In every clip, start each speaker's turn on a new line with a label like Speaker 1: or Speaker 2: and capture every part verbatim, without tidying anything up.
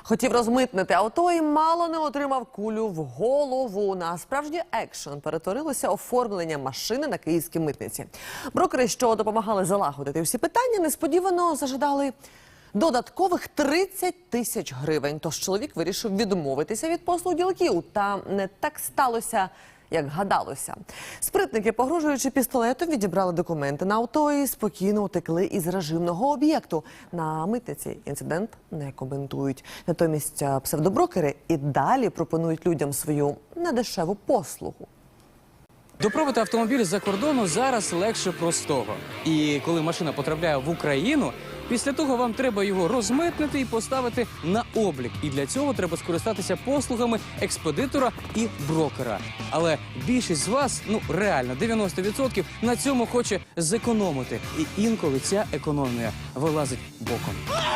Speaker 1: Хотів розмитнити авто і мало не отримав кулю в голову. На справжній екшен перетворилося оформлення машини на київській митниці. Брокери, що допомагали залагодити всі питання, несподівано зажадали додаткових тридцять тисяч гривень. Тож чоловік вирішив відмовитися від послуг ділків. Та не так сталося, як гадалося. Спритники, погрожуючи пістолетом, відібрали документи на авто і спокійно утекли із режимного об'єкту. На митниці інцидент не коментують. Натомість псевдоброкери і далі пропонують людям свою недешеву послугу.
Speaker 2: Допровити автомобіль з-за кордону зараз легше простого. І коли машина потрапляє в Україну, після того вам треба його розмитнити і поставити на облік. І для цього треба скористатися послугами експедитора і брокера. Але більшість з вас, ну реально, дев'яносто відсотків, на цьому хоче зекономити. І інколи ця економія вилазить боком.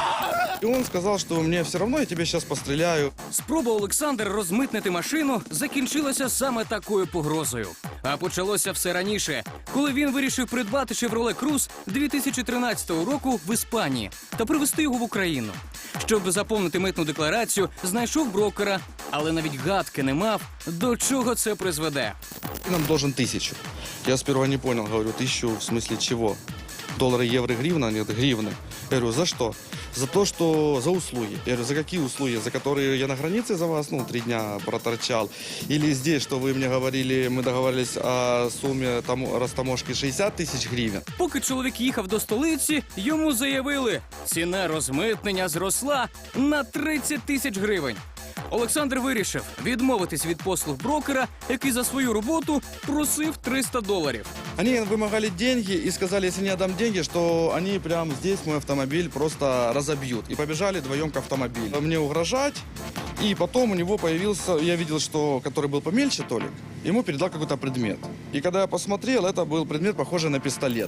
Speaker 3: И он сказал, что мне все равно, я тебе сейчас постреляю.
Speaker 2: Спроба Олександра розмитнити машину закінчилася саме такою погрозою. А почалося все раніше, коли він вирішив придбати Chevrolet Cruze дві тисячі тринадцятого року в Іспанії та привезти його в Україну. Щоб заповнити митну декларацію, знайшов брокера, але навіть гадки не мав, до чого це призведе.
Speaker 3: Ты нам должен тысячу. Я сперва не понял, говорю, тысячу в смысле чего? Доллары, евро, гривна? Нет, гривны. Я говорю, за что? За то, что за услуги. Я говорю, за какие услуги? За которые я на границе за вас, ну, три дня проторчал? Или здесь, что вы мне говорили, мы договорились о сумме там, растаможки шістдесят тисяч гривень?
Speaker 2: Поки чоловік їхав до столиці, йому заявили, ціна розмитнення зросла на тридцять тисяч гривень. Олександр вирішив відмовитись від послуг брокера, який за свою роботу просив триста доларів.
Speaker 3: Они вымогали деньги и сказали, если не отдам деньги, что они прямо здесь мой автомобиль просто разобьют. И побежали вдвоем к автомобилю. Мне угрожать. И потом у него появился, я видел, что который был помельче Толик, ему передал какой-то предмет. И когда я посмотрел, это был предмет, похожий на пистолет.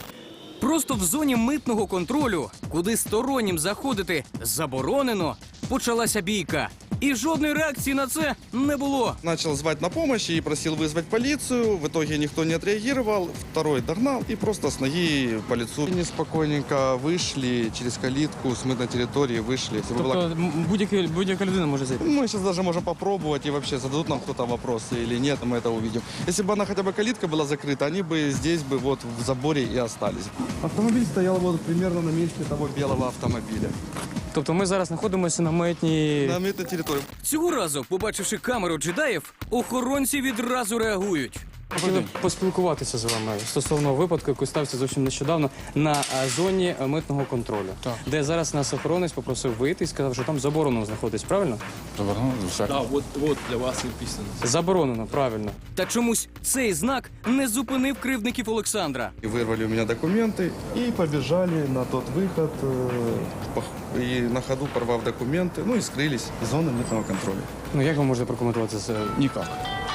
Speaker 2: Просто в зоні митного контролю, куди стороннім заходити заборонено, почалася бійка. І жодної реакції на це не було.
Speaker 3: Начал звать на помощь и просил вызвать полицию. В итоге никто не отреагировал. Второй догнал и просто с ноги по лицу. Они спокойненько вышли через калитку, с мытной территории вышли. Если бы была-
Speaker 2: Тобто будь-яка людина може зайти?
Speaker 3: Мы сейчас даже можем попробовать и вообще зададут нам кто-то вопросы или нет, мы это увидим. Если бы она хотя бы калитка была закрыта, они бы здесь бы вот в заборе и остались. Автомобиль стоял вот примерно на месте того белого автомобиля.
Speaker 2: Тобто ми зараз знаходимося на митній...
Speaker 3: На мытной территории.
Speaker 2: Цього разу, побачивши камеру джедаїв, охоронці відразу реагують. Хотіли поспілкуватися з вами стосовно випадку, який стався зовсім нещодавно на а, зоні а, митного контролю,
Speaker 4: Так.
Speaker 2: де зараз нас охоронець попросив вийти і сказав, що там заборонено знаходитись, правильно?
Speaker 4: Заборонено? Всяк.
Speaker 5: Да, вот, вот для вас и написано.
Speaker 2: Заборонено, правильно. Та чомусь цей знак не зупинив кривдників Олександра.
Speaker 3: И вырвали у меня документы и побежали на тот выход. э, пох- И на ходу порвав документы, ну и скрылись из зоны мытного контроля.
Speaker 2: Ну як ви можете прокоментувати це?
Speaker 4: Никак.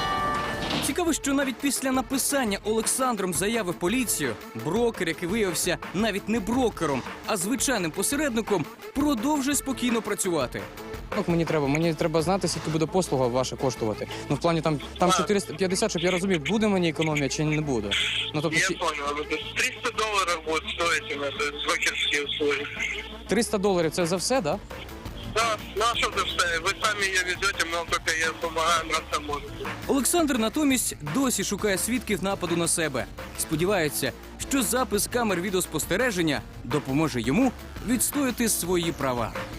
Speaker 2: Цікаво, що навіть після написання Олександром заяви в поліцію, брокер, який виявився навіть не брокером, а звичайним посередником, продовжує спокійно працювати. Ну, мені треба, мені треба знати, скільки буде послуга ваша коштувати. Ну, в плані там, там чотириста п'ятдесят, щоб я розумів, буде мені економія чи не буде. Ну, тобто,
Speaker 6: Я
Speaker 2: сі-
Speaker 6: понял. Это триста долларов будет стоить у нас брокерские услуги.
Speaker 2: триста доларів – це за все, да?
Speaker 6: Да, ну а что ты вставишь? Вы сами ее везете, мы вам только я помогаем растаможить.
Speaker 2: Олександр натомість досі шукає свідків нападу на себе. Сподівається, що запис камер відеоспостереження допоможе йому відстояти свої права.